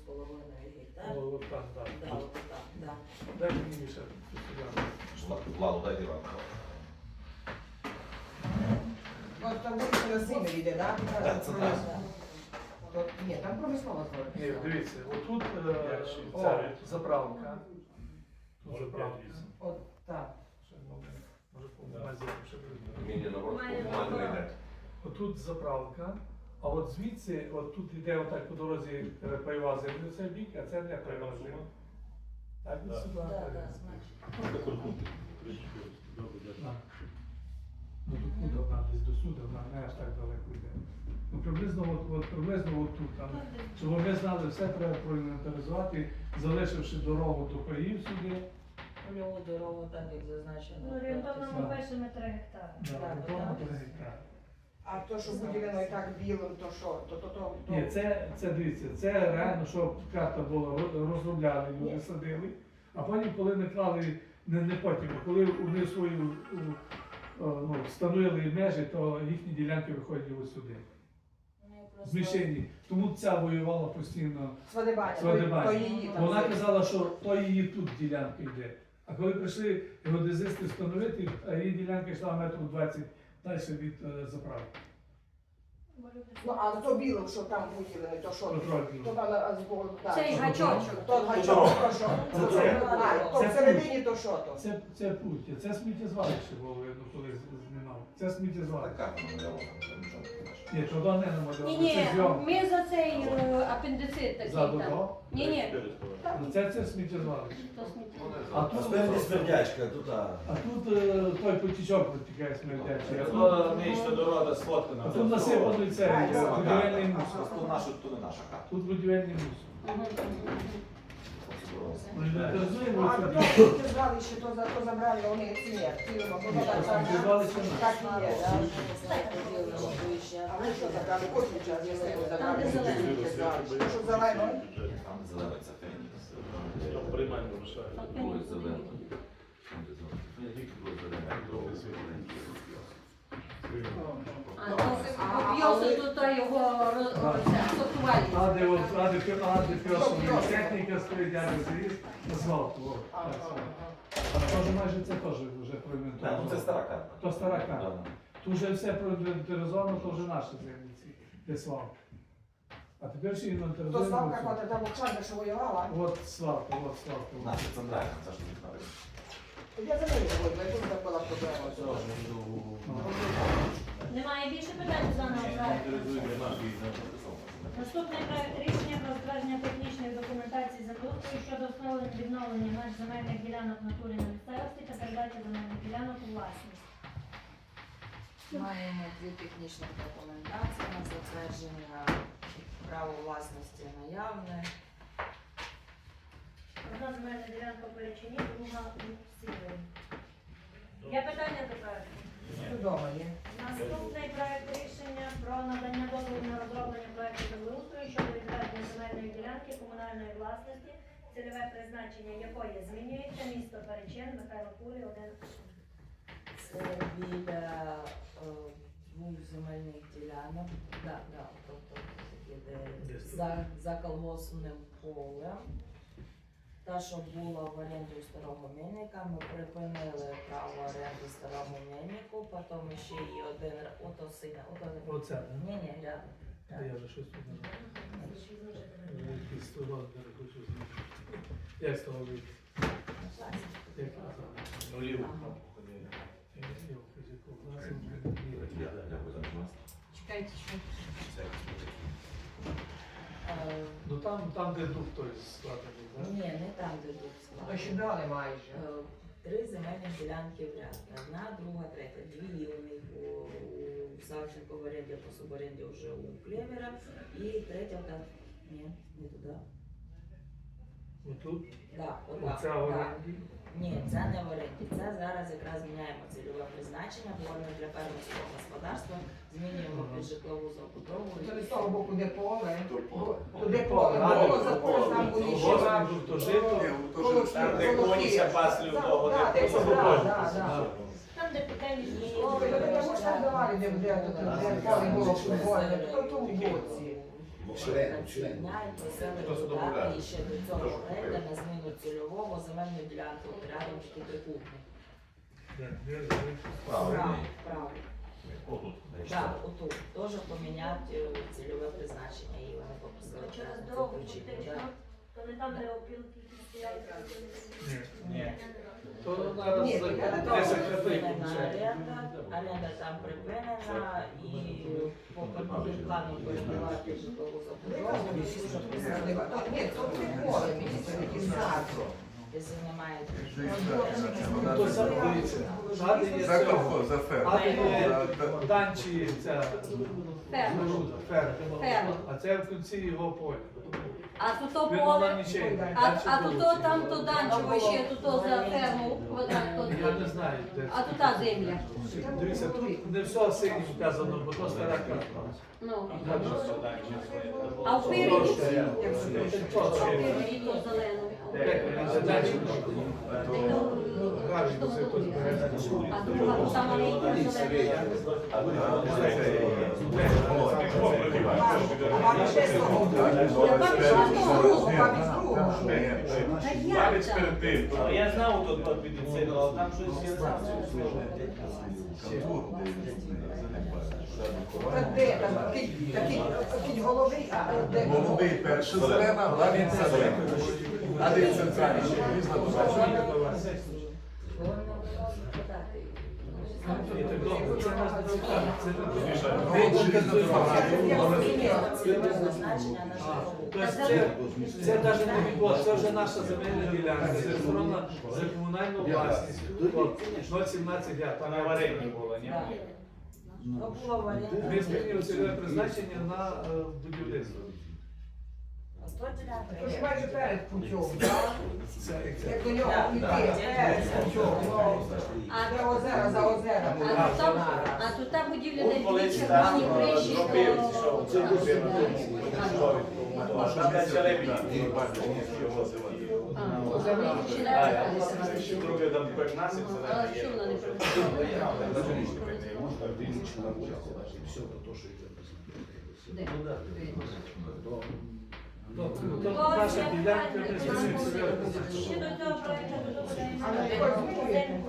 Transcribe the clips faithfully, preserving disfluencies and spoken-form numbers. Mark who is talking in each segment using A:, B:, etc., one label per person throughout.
A: половиною гектар.
B: О, от там, так.
A: Да, от так, да.
B: Дай мені ще.
C: Ладно, дайте вам.
D: От там вулиця на Симирі йде, так?
C: Так, це так.
D: Тут- Ні, там промислова
B: Ні,
D: зона.
B: дивіться, отут е,
D: О.
B: ця заправка. Тут заправка.
D: От так.
B: Ще, ну, може, по базі ще буде.
C: Мені наоборот, по-моєму, не йде.
B: Отут заправка, а от звідси, от тут йде отак по дорозі е, пайова земля, це бік, а це не пайова земля. Так, від сюди.
A: Да, да,
B: так.
A: значить.
B: Так. Ну тут куди вона десь до суду, вона не аж так далеко йде. Ну приблизно от, от приблизно от тут, там, щоб ми знали, все треба проінвентаризувати, залишивши дорогу до паїв сюди.
A: Польову дорогу, так як зазначено.
E: Ну, орієнтовно
B: Так.
E: ми пишемо три гектари.
B: Да,
A: Так,
B: орієнтовно
A: так.
B: три гектари.
D: А то, що виділено і так білим, то що? То, то, то, то...
B: Ні, це, це дивіться, це реально, що карта була, роз- розробляли, люди садили, а потім, коли не клали, не, не потім, а коли вони свою у, о, ну, встановили межі, то їхні ділянки виходять ось сюди.
A: Вони просто-
B: Змішені. Тому ця воювала постійно.
D: Свадебаня, то,
B: Свадебаня.
D: то її там.
B: Вона
D: це.
B: казала, що то її тут ділянка йде. А коли прийшли геодезисти встановити, а її ділянка йшла метрів двадцять далі від е, заправки.
D: Ну, а то білим, що там виділено, то що?
B: Контроль білий.
D: То там а, збоку, так.
E: Цей гачочок.
D: То гачок, то що?
B: Це- це-
D: А, то
B: це
D: всередині то що то?
B: Це, це путь, це сміттєзвалище було видно, коли з- знімав. Це сміттєзвалище.
C: Така намальована, нічого не бачиш.
B: Ні, туди не намалювали,
E: Ні, ні,
B: це зйом.
E: ми за цей е, апендицит такий
B: Ззаду,
E: там.
B: да?
E: Ні, ні,
B: Ну, Це, це сміттєзвалище.
E: то сміття.
B: А тут,
F: Спереді смердячка, тут а.
B: а тут е, той потічок витікає смердячий. А тут,
G: Воно нижче дорода сфоткана.
B: а тут насипаний цей
D: А,
B: е, будівельний мусор.
C: То наша, то не наша карта.
B: Тут будівельний мусор. Ну, інвентаризуємо
D: А,
B: ось
D: то
B: сюди.
D: то звали, що то, за- то забрали вони ці, цілимо, бо
B: Ні,
D: так,
B: то
D: так,
B: сміттєзвалище
D: так,
B: наше.
D: так і є,
A: Я
D: да.
A: вже не знаю, поділено вище.
D: А ви що забрали? Кожен час, якщо ви
E: Там,
D: забрали,
E: де зелено.
D: то що зелено?
C: Там зелено, це фенікс.
G: Приймання вирішає.
C: Друге зелено. Там де зелено. Фенікс, друге зелено. Друге зелено.
E: А, то об'єси тут та його роз- оце, сортувальність.
B: А де от, а де пі- а де піосова техніка стоїть, а де заїзд, асфальт. о,
D: Ага,
B: так,
D: ага.
B: А теж майже це теж вже
C: Так, ну це
B: проінвентаризовано.
C: стара карта.
B: То стара карта.
C: Да.
B: Тут вже все проінвентаризовано, то вже наші землі, де свалка. А тепер ще
D: То
B: інвентаризуємо.
D: Славка,
B: цю.
D: коли там Оксана, що воювала,
B: От свалка, от свалка.
C: Наша центральна, це ж не знаю.
D: я за нею говорю, я тут так була проблема.
E: Немає більше питань за нас. Наступний проект рішення про затвердження технічної документації землеустрою щодо встановлення відновлення меж земельних ділянок в натурі на місцевості та передачі земельних ділянок у власність.
A: Маємо дві технічні документації на затвердження права власності наявне.
E: Одна земельна ділянка в Перечині, друга у Сівері. Є питання до проекту?
D: Вдома є.
E: Наступний проект рішення про надання дозволу на розроблення проекту землеустрою щодо відведення земельної ділянки комунальної власності, цільове призначення якої змінюється, місто Перечин, Михайло Курі, один.
A: Це біля е, двох земельних ділянок. Да, да, тобто таке, де
B: Десь тут.
A: за, за колгоспним полем. Та, що була в оренді у старого мельника, ми припинили право оренди старому мельнику, потім ще й один, р- ото синя, ото
B: Оце, да?
A: ні, ні, рядом.
B: А я вже щось тут не знаю. Якийсь сто розмір хочу знати. Як з того вийти? Як казали?
G: Ну, ліву там походили.
B: Я не знаю, з якого класу вже не
C: Я,
B: знаю.
C: дякую за вас.
A: Чекайте, що?
C: Це якось таке.
A: Е,
B: Ну там, там де дух той складений, так?
A: Ні, не там, де тут
D: То ще
A: склад.
D: дали майже.
A: Е, Три земельні ділянки в ряд. Одна, друга, третя. Дві у них у, у Савченко в оренді, по суборенді вже у Клевера. І третя, та, ні, не туди.
B: Отут,
A: Да, отак,
B: оця
A: да.
B: оренді.
A: Ні, це не в оренді. Це зараз якраз міняємо цільове призначення, говоримо для фермерського господарства, змінюємо під житлову забудову.
D: То не з того боку, де поле,
C: поле.
D: туди поле було, за поле там були ще
B: Ось
D: два.
B: тут то жито.
D: Колоски,
G: Там, де
D: колоски.
G: коніся пасли в того,
D: Да,
G: де
D: де це,
G: поле.
D: да, да, да.
E: Там, де пекельні
D: Ой, ну, тому що там давали, де, де, тут, де поле було футбольне, то в тому боці.
F: Член,
A: ці
F: член.
A: дня і просили
C: Хто це
A: додати
C: домовляє?
A: ще до цього оренди на зміну цільового земельної ділянки от рядом такий трикутник. Право,
C: Правильно.
A: право.
C: Отут.
A: Так, отут. Теж поміняти е, цільове призначення і вони попросили
E: Через
A: це
E: дорогу
A: включити.
E: втечка,
A: да.
E: то не там, де опілки стоять.
G: Ні.
B: То зараз
D: Ні,
B: за
D: я не
B: десять
A: Договір
B: хвилин
A: припинена
B: включаємо.
A: оренда, оренда там припинена і по картовим плану передавати житлову забудову і вже присадили.
D: Ні, то приколи, мені це такі зразу.
A: Якщо немає
B: То сам дивіться, ззаді є
H: За
B: цього.
H: колхоз, за ферму.
B: Ззаді є
H: За-
B: данчі, ця
E: Ферма.
B: споруда, ферма.
E: Ферма.
B: А це в кінці його поля.
E: А тут то
B: Він вона
E: поле,
B: нічим.
E: а, а тут то там то данчево ще, тут то за ферму квадрат то.
B: Я не знаю, де
E: А
B: це.
E: тут та земля.
B: Дивіться, тут не все синім вказано, бо то стара карта.
E: Ну.
G: А там же задачі свої.
E: А впереді, а
B: Точно.
E: впереді то зелено. А друга то там маленька зелена.
H: А це
D: А вам ще слово. Я вам ще слово, вам із другого.
E: Та як там?
G: А я знав тут под медицину, але там щось є знав.
H: контур, де
D: Та де там такий, такий, такий головий, а де
H: голубий перша зелена, главін зелена. А де центральний ще різна позначення.
B: Ні, так добре, це нас не цікавить. Це не
H: Де желізна
A: цільове призначення на житлову.
B: Тобто це, це навіть не відбулося, це вже наша земельна ділянка, зареєстрована за комунальну власність. От, нуль сімнадцять
G: Там
B: гектар.
G: аварійні було, ні?
A: Так. То було в оренді.
B: Ми змінюємо цільове призначення на е, будівництво.
A: Ото ділянка
D: То ж
A: є.
D: майже перед путем, так?
B: Це, це.
D: Як до нього йти, перед путем.
E: А
D: Де озера, за озера.
E: А тут там, а тут та будівля, де
G: Тут коли
E: дві
G: там
E: червоні криші,
G: зробив,
E: то...
G: що це робив, а там далі ребні.
E: А, озера чи не
G: А, я
E: озера?
G: ще друге там як насип
E: А що вона не працювала? Де?
B: Тобто, то наша ділянка не цільове призначення.
E: Ще до цього проекту додаємо
D: А ви також змінюєте?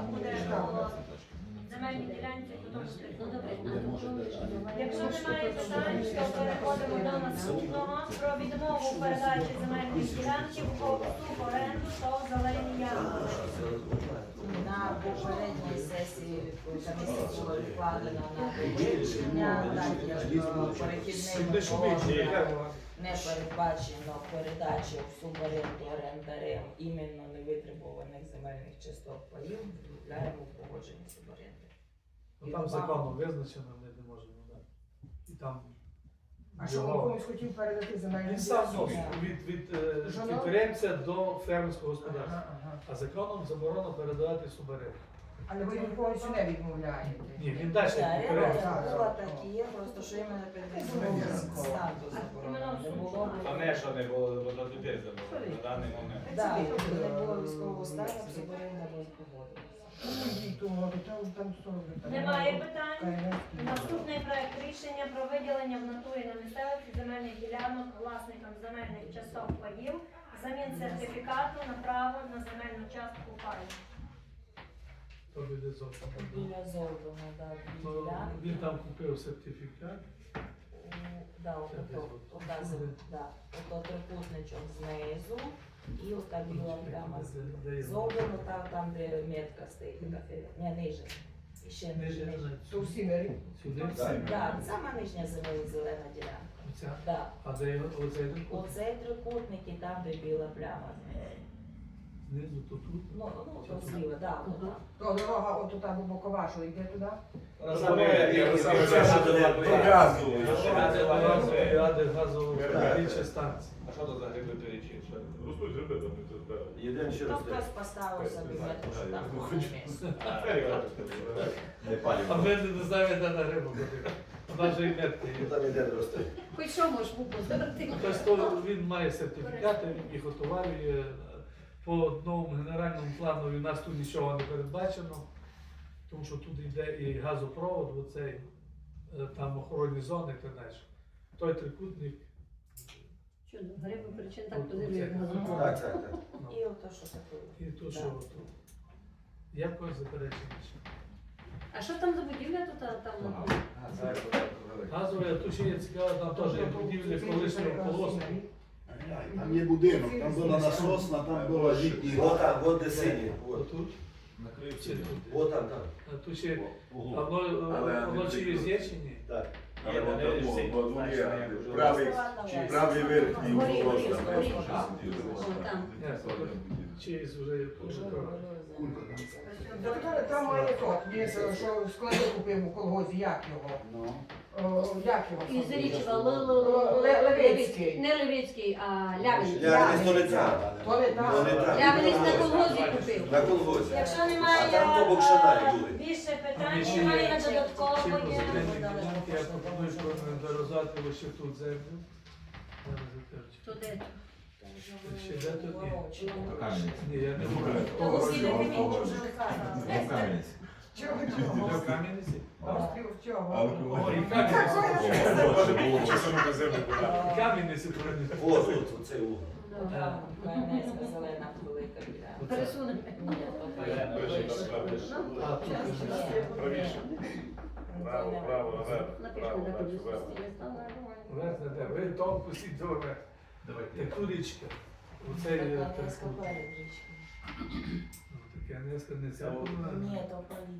E: земельні ділянці, потім ну добре. Якщо немає питань, то переходимо до наступного про відмову в передачі земельних ділянків по оренду та зелені ями.
A: На попередній сесії комісії було відкладено на вивчення, так як е, перехідними положеннями не передбачено передачі в суборенду орендарем іменно невитребуваних земельних часток паїв, відправляємо в погодження суборенди.
B: Ну, там законом визначено, ми не можемо. Да. І там
D: А що він
B: його-
D: комусь хотів передати земельні
B: Він сам
D: ділянки?
B: носить від, від е,
D: Жона?
B: підприємця до фермерського господарства.
D: Ага, ага.
B: А законом заборонено передавати суборенду.
D: Але ви йому повністю не відмовляєте.
B: Ні, він далі
A: Оренда
B: підприємство.
A: як була, так і є, просто що іменно під відмовним статус заборонено. Не було.
G: А не, що не було, бо до людей забуло на даний момент.
A: Так, не було військового стану, суборенда була погодилася.
E: Немає питань. Наступний проект рішення про виділення в натурі на місцевості земельних ділянок власникам земельних часток паїв замін сертифікату на право на земельну частку паю.
B: То буде зовсім.
A: Біля Золдона, да, дві
B: То
A: ділянки.
B: Він там купив сертифікат.
A: У- Да,
B: Це
A: ото,
B: десь
A: ота,
B: от.
A: да, ото трикутничок знизу і ота біла пляма з
B: Де- де є?
A: Золдону, там, там, де метка стоїть, така філя. Не, ниже. І ще
B: Ниже,
A: ниже. ниже.
B: ниже.
D: То всі мері.
B: Сюди?
A: Да, сама нижня зелена, зелена ділянка.
B: Оця.
A: Да.
B: А де його- оцей трикутник?
A: Оцей трикутник і там, де біла пляма знизу.
B: Знизу, то тут.
A: Ну, ну, то зліва, да, от там.
D: То дорога от туди до Бокова, що йде туди?
B: Ради газової станції.
G: А що то за гриби перечі?
C: Ростуть гриби, там не збирають.
F: Єдине ще
A: То
F: раз.
A: хтось поставив собі метку, що там було місце.
F: Не палів.
B: А ми не знаємо, де на рибу ходити. Вона вже і метки є.
F: Там іде росте.
E: Хоч що можеш випустити?
B: Тобто він має сертифікати, він їх отоварює. По новому генеральному плану у нас тут нічого не передбачено, тому що тут йде і газопровод, оцей, е, там охоронні зони і так далі. Той трикутник
I: Чудо, гриби причин так позивлює як газопровод.
G: Так, так, так.
B: Ну,
A: І ото, що таке.
B: І тут
A: Да.
B: що тут? Є в когось заперечення? ще?
I: А що там за будівля тут а, там?
B: Газове, а тут ще є цікаво, там теж є будівля колишнього колосу.
J: Там є будинок, там була насосна, там була літній.
G: Вот там, вот де сині. Вот.
B: Отут.
C: Накривці.
B: Чи тут?
G: Вот там, там.
B: А тут ще, а
C: Углу.
B: воно,
F: Але
B: воно
F: не
B: через
F: тільки.
B: є чи ні?
G: Так.
F: Але
C: Є, вони
F: от
C: всі,
F: тому,
C: знаєш,
F: є
C: як вже
F: правий,
A: розсилати.
F: правий верхній
I: Горі,
F: угол.
I: горі,
F: там,
I: горі.
F: там,
I: О, там.
B: Ні, через вже пошукав.
D: Доктор, там має тот, він що склади купив у колгозі, як його?
J: Ну.
D: О, як його?
I: Із Річева,
D: Ле- Левицький.
I: не Левицький, а Лявинець.
G: Я не то не там.
D: То не
G: То
D: так.
G: не там.
I: Лявинець на колгозі купив.
G: На колгозі.
E: Якщо немає
G: А там то Бокшана
E: е,
G: були.
E: більше
B: А
E: питань,
B: ми ще
E: немає
B: є
E: на
B: ці
E: додатково.
B: позитивні ділянки, я пропоную проінвентаризувати лише тут землю. Зараз затверджу.
I: То де?
B: Ще де тут є?
C: Кам'янець.
B: Ні, я не буду.
D: Того
E: Всі
D: всього,
E: документи
D: того
E: вже
D: всього.
E: вказано.
C: Ну, Кам'янець.
D: Чого
B: Де
D: чого?
B: в Кам'янці?
D: Острів чого?
B: О, і Кам'янці.
F: Може було часом на землю була.
B: Кам'янці повинні.
G: Вот тут, оцей угол.
A: Там Кам'янецька зелена велика біля.
I: Пересунемо.
A: Ні, то перше.
B: А, тут вже.
F: Правіше. Право, право, наверх.
I: Напишемо,
F: Право,
I: де
F: далі,
I: тобі
F: вверх.
I: стілі стали.
B: Верхне де? Ви то пустіть до мене.
C: Давайте.
B: Таку річка. Оце є
A: Така
B: так.
A: низька перед річкою.
B: Ну, таке низько не ця.
A: Ні, то полі.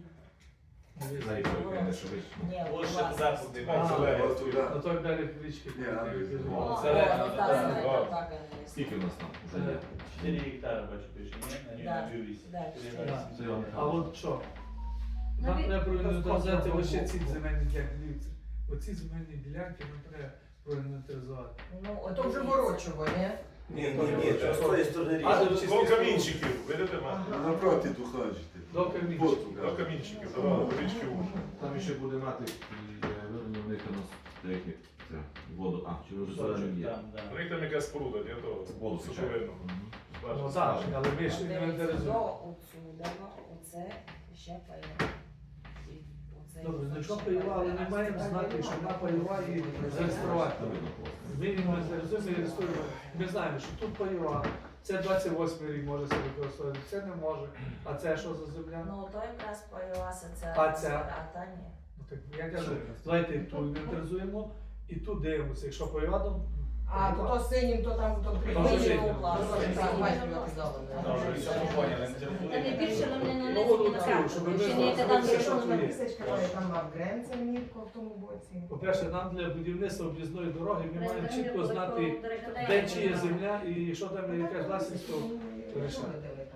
C: Навіть не що вище.
A: Ні,
F: Ось ще
A: власне.
F: западний
B: А,
F: зелень.
B: ось туди. А то далі річки.
F: Ні, а ви-
A: О,
C: О,
A: о,
C: зелена,
A: ну, та
C: да.
A: зелена, така низька.
C: Скільки у нас там вже є?
K: чотири гектари, бачу, пише, ні? На ній
A: Да,
K: на вісім.
A: да,
K: чотири
A: чотири.
K: вісім.
C: Це я вам
B: А от що? Нам
I: Навіть-
B: треба проінвентаризувати лише ці земельні ділянки. Дивіться, оці земельні ділянки нам треба проінвентаризувати.
A: Ну,
D: А
A: от
D: то вже ворочого, ні?
G: Ні, ні, ні, то з тої сторони
B: А,
G: річки.
B: до чисті
F: До
B: сторони.
F: камінчиків, видите, ма?
J: Напроти тут ходите.
B: До камінчиків.
F: До камінчиків, давали, до річки Уж.
C: Там ще буде натик і вироблення в них у нас деякі це воду. А, чи вже зеленим є?
K: Там, да.
F: У них там якась споруда, ні, то
C: Воду качають.
F: суховинно.
B: Ну, зараз, але ми ще
A: Дивіться,
B: інвентаризуємо.
A: до отсюда, оце ще пайова. І оце
B: Добре,
A: ще
B: значок
A: пайова.
B: пайова, але ми маємо знати, що вона пайова і зареєструвати.
C: Там видно просто.
B: Ми інвентаризуємо і реєструємо. Ми знаємо, що тут пайова. Це двадцять восьмий рік може себе використовувати, це не може. А це що за земля?
A: Ну, то якраз пайова соціальна.
B: А ця?
A: А та ні.
B: Ну, так я кажу, давайте ту інвентаризуємо і тут дивимося. Якщо пайова, то
D: А то, то синім, то там то три.
B: Там же
D: Ні,
B: жити.
D: ну, власне,
A: Там
D: так,
A: же
D: бачите,
A: жити.
D: приватизоване.
K: Там вже все поняли, не
I: Та не
K: телефонуй.
I: більше нам не
B: Ну,
I: нанесені на
B: цю,
I: карту.
B: щоб ви
I: Ще
B: знали,
I: не
B: що
I: там
B: це
I: є,
B: що
I: що
B: тут
I: нам
B: є.
D: Місячка має там мав гренця мітко в тому боці.
B: По-перше, нам для будівництва об'їзної дороги ми маємо
I: Рендеринг
B: чітко
I: податкового
B: знати,
I: директора.
B: де чиє земля і якщо там якась власність, то рішення.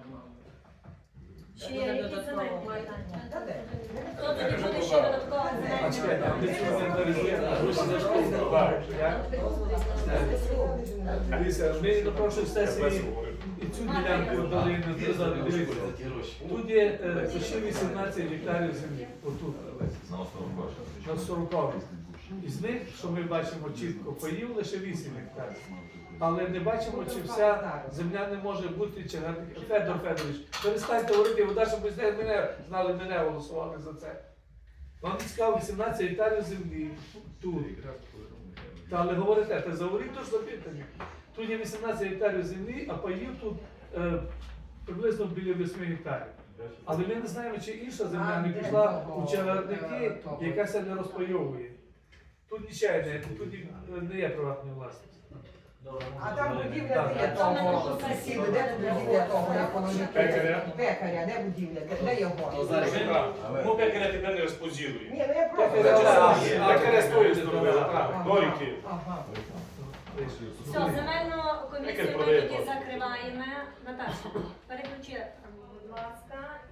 E: Чи є які земельні
D: Та де?
E: Хто тоді буде ще додатково
B: А
E: земельні?
B: чекайте, а ми цю інвентаризуємо, а гроші за що вкладаємо? Як? Дивіться, ми на прошлій сесії і цю ділянку дали інвентаризувати. Дивіться, тут є е, почти вісімнадцять гектарів землі, отут,
C: На основу
B: на сорокові. Із них, що ми бачимо чітко, паїв лише вісім гектарів. Але не бачимо, чи вся земля не може бути чагарник. Федор Федорович, перестаньте говорити, вода, щоб ви знаєте, мене знали, мене голосували за це. Вам цікаво вісімнадцять гектарів землі тут. Та, але говорите, та заговоріть то ж запитання. Тут є вісімнадцять гектарів землі, а паїв тут е, приблизно біля восьми гектарів. Але ми не знаємо, чи інша земля не пішла у чагарники, яка се не розпайовує. Тут нічого не, тут не є приватної власності.
D: А там будівля
B: Так,
D: де є
B: так.
D: того сусіда, де тут будівля того, як воно не
F: Пекаря?
D: Пекаря, де будівля, де, де його?
F: Ну, пекаря тебе не розподілують.
D: Ні, ну я просто...
B: А користуюсь
F: Так, Доріки.
D: Ага.
E: Все, земельну комісію ми тоді закриваємо. Наташа, переключи, будь ласка.